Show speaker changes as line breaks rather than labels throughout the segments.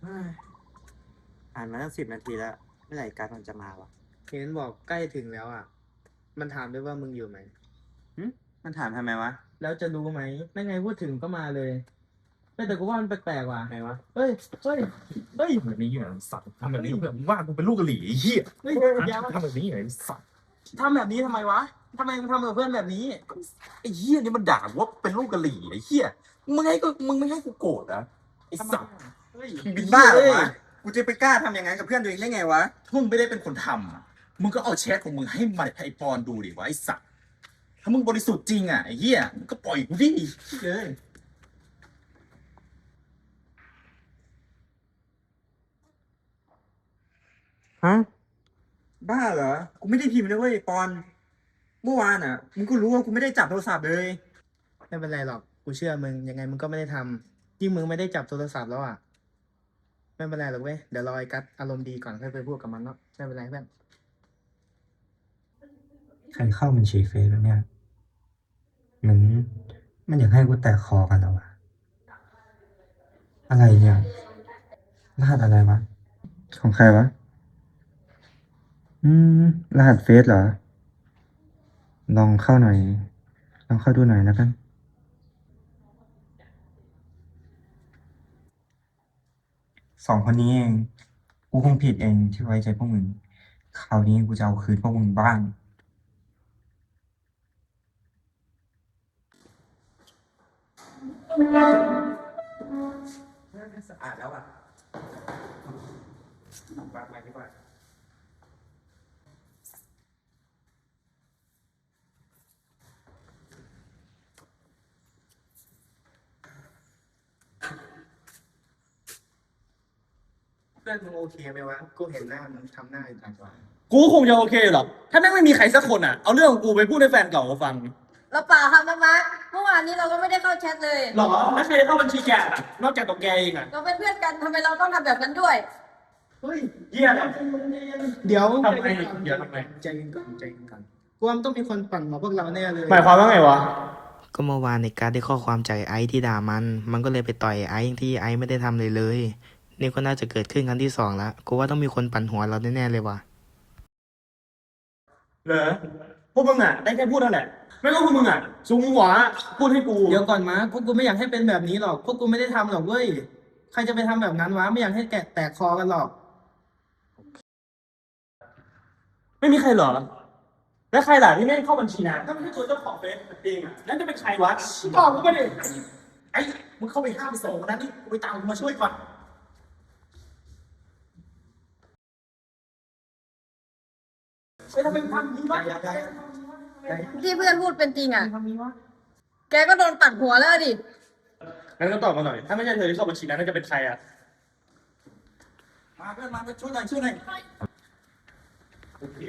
อ่านมาตั้ง10 นาทีแล้วเมื่อไหร่การดมันจะมาวะ
เห็นบอกใกล้ถึงแล้วอ่ะมันถามด้วยว่ามึงอยู่ไหม
หึมันถามทำไมวะ
แล้วจะรู้ไหมไม่ไงพูดถึงก็มาเลยแต่กูว่ามันแปลกๆว่ะไงวะเฮ้ยเฮ้ยเฮ้ย
ทำแบบนี้เหรอสัตว์ทำแบบนี้เพื่อนมึงว่ากูเป็นลูกกะหรี่ไอ้เหี้ย
เฮ้ยอย่ามา
ทำแบบนี้เหรอไอ้สัตว์
ทำแบบนี้ทำไมวะทำไมมึงทำกับเพื่อนแบบนี้
ไอ้เหี้ยนี่มันด่าว่าเป็นลูกกะหรี่ไอ้เหี้ยมึงไม่ให้กูโกรธนะไอ้สัตว์
เฮ้ย
มึงเป็นบ้าเหรอวะกูจะไปกล้าทำอย่างนั้นกับเพื่อนตัวเองได้ไงวะ
ถ้ามึงไม่ได้เป็นคนทำอะมึงก็เอาแชทของมึงให้มันไอ้ปอนดูดิวะไอ้สัตว์ถ้ามึงบริสุทธิ์จริงอ่ะไอ้เหี้ยมึงก็ปล่อยกูดิเลย
ฮะบ้าเหรอกูไม่ได้พิมพ์นะเว้ยปอนเมื่อวานอ่ะมึงก็รู้ว่ากูไม่ได้จับโทรศัพท์เลย
ไม่เป็นไรหรอกกูเชื่อมึงยังไงมึงก็ไม่ได้ทำยิ่งมึงไม่ได้จับโทรศัพท์แล้วอ่ะไม่เป็นไรหรอกเว้ยเดี๋ยวรอไอ้กัสอารมณ์ดีก่อนค่อยไปพูดกับมันเนาะไม่เป็นไรเพื่อน
ใครเข้าบัญชีเฟซแล้วเนี่ยเหมือนมันอยากให้กูแตะคอกันแล้วอะอะไรเนี่ยรหัสอะไรวะของใครวะอืมรหัสเฟซเหรอลองเข้าหน่อยลองเข้าดูหน่อยแล้วกัน2 คนนี้เองกูคงผิดเองที่ไว้ใจพวกมึงคราวนี้กูจะเอาคืนพวกมึงบ้าง
สะอาดแล้วอ่ะวางไปดีกว่า
เพื่อนมึงโอเคไหมวะกูเห็นหน้ามึงทำหน้าอึดอัดว่ะ
กูคงจะโอเคหรอกถ้าแม่งไม่มีใครสักคนอ่ะเอาเรื่องของกูไปพูดให้แฟนเก่าเขาฟัง
เราเปล่าครับมาร์คเมื่อวานนี้เราก็ไม่ได้เข้าแชทเลย
หรอแล้วใครเข้าบัญชีแกอะนอกจากตัวแกเองอ่ะ
เราเป็นเพื่อนกันทำไมเราต้องทำแบบนั้นด้วย
เฮ้ย
เหี้ย
เดี๋ยว
ทำไมเดี๋ยวทำไม
ใจเย็นก่อนใจเย็นก่อนกูว่ามันต้องมีคนปั่นมาพวกเราแน่เลย
หมายความว่าไงวะ
ก็เมื่อวานในการดได้ข้อความจากไอซ์ที่ด่ามันก็เลยไปต่อยไอซ์ที่ไอซ์ไม่ได้ทำเลย นี่ก็น่าจะเกิดขึ้นครั้งที่2แล้วกูว่าต้องมีคนปั่นหัวเราแน่ๆเลยว่ะ
เหรอพวกมึงอ่ะได้แค่พูดนั่นแหละไม่ก็พวกมึงอ่ะสูงหัวพูดให้กู
เดี๋ยวก่อนมาพวกกูไม่อยากให้เป็นแบบนี้หรอกพวกกูไม่ได้ทำหรอกเว้ยใครจะไปทำแบบนั้นวะไม่อยากให้แตกคอกันหรอก
ไม่มีใครเหรอ แล้วใครล่ะที่ไม่เข้าบัญชีนะถ้าไม่ใช่ตัวเจ้าของเฟซจริงอ่ะนั่นจะเป็นใครวะบอกกูไปดิไอ้มึงเข้าไปห้ามไปส่งคนนั้นนี่กูไปตามมึงมาช่วยก่อนเฮ้ยทำไมมึงทำอย่างนี้วะ
ที่เพื่อนพูดเป็นจริงอ่ะ
ทำนี้วะ
แกก็โดนตัดหัวแล้วดิ
งั้นก็ตอบมาหน่อย ถ้าไม่ใช่เธอที่เข้าบัญชีนั้นน่าจะเป็นใครอ่ะ
มาเพื่อนมาช่วยหน่อยช่วยหน่อย
โอเค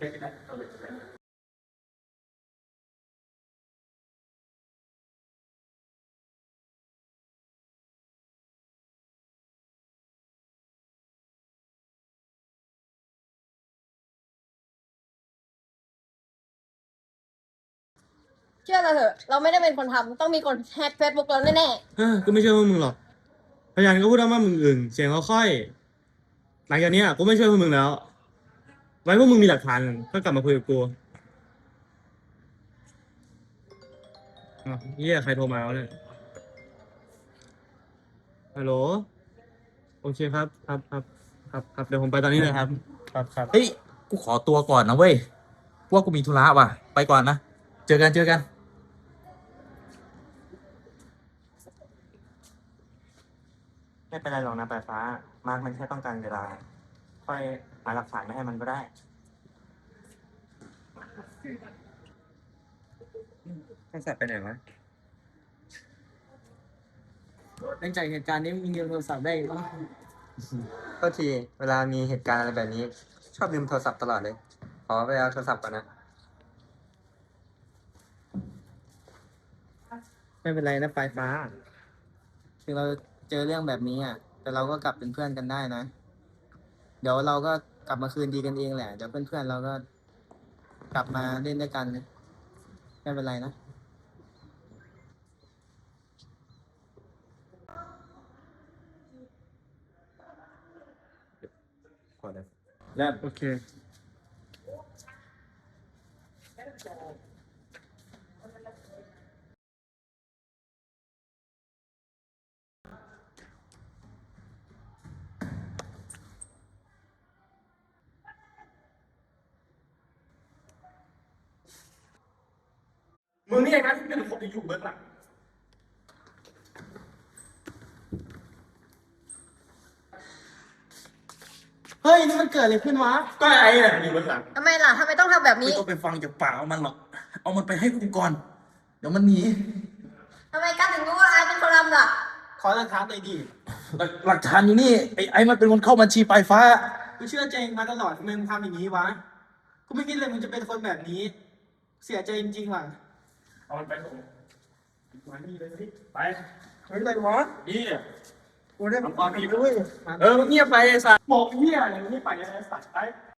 เชื่อเราเถอะ เราไม่ได้เป็นคนทำต้องมีคนแฮกเฟซบุ๊กเราแน่
กูไม่เชื่อพวกมึงหรอกพยานก็พูดว่ามึงอึ่งเสียงเขาค่อยหลังจากนี้กูไม่เชื่อพวกมึงแล้ว ไว้พวกมึงมีหลักฐานก็กลับมาคุยกับกูอ้าวเฮียใครโทรมาวะเนี่ยฮัลโหลโอเคครับครับเดี๋ยวผมไปตอนนี้เลยครับครับ
เฮ้ย กูขอตัวก่อนนะเว้ยว่ากูมีธุระว่ะ ไปก่อนนะ เจอกัน
ไม่เป็นไรหรอกนะปลายฟ้ามาร์คมันแค่ต้องการเวลาค่อยหาหลักฐานมาให้มันก็ได้ไอ้สัตว์ไปไหนวะ
หลังจากเหตุการณ์นี้มีเงินโทรศัพท์ได้ปะ
ก็ทีเวลามีเหตุการณ์อะไรแบบนี้ ชอบลืมโทรศัพท์ตลอดเลย ขอไปเอาโทรศัพท์ก่อนนะ
ไม่เป็นไรนะปลายฟ้า ถึงเราเจอเรื่องแบบนี้อ่ะ แต่เราก็กลับเป็นเพื่อนกันได้นะ เดี๋ยวเราก็กลับมาคืนดีกันเองแหละ เดี๋ยวเพื่อนๆเราก็กลับมาเล่นด้วยกัน ไม่เป็นไรนะ
ก่อนเลย
แล้ว
โอเคมึงนี่เองนะที่เป็นคนที่อยู่เบื้องหลัง
เฮ้ยนี่มันเกิดอะไรขึ้นวะ
ก็ไอ้เนี่ยอยู่เบื้องหลัง
ทำไมล่ะทำไมต้องทำแบบ
ไม่
นี้
ต้องไปฟังจากปากมันหรอก เอามันไปให้กูก่อน เดี๋ยวมันหนี
ทำไมกันถึงรู้ว่าไอเป็นคนทำล่ะ
ขอหลักฐานหน่อยดิ
หลักฐานอยู่นี่ ไอ้มันเป็นคนเข้าบัญชีปลายฟ้า
กูเชื่อใจเองมาตลอดทำไมมึงทำอย่างนี้วะ กูไม่คิดเลยมึงจะเป็นคนแบบนี้ เสียใจจริงๆว่ะ
เอามันไปส่งมานี่เลยสิไป
เฮ้ยอะไรวะ
นี่
กูได้
ทำความผิด
ด้วย
เออเงียบไปไอ้สัตว์บอกเหี้ยอะไรนี่ไปไอ้สัตว์ไป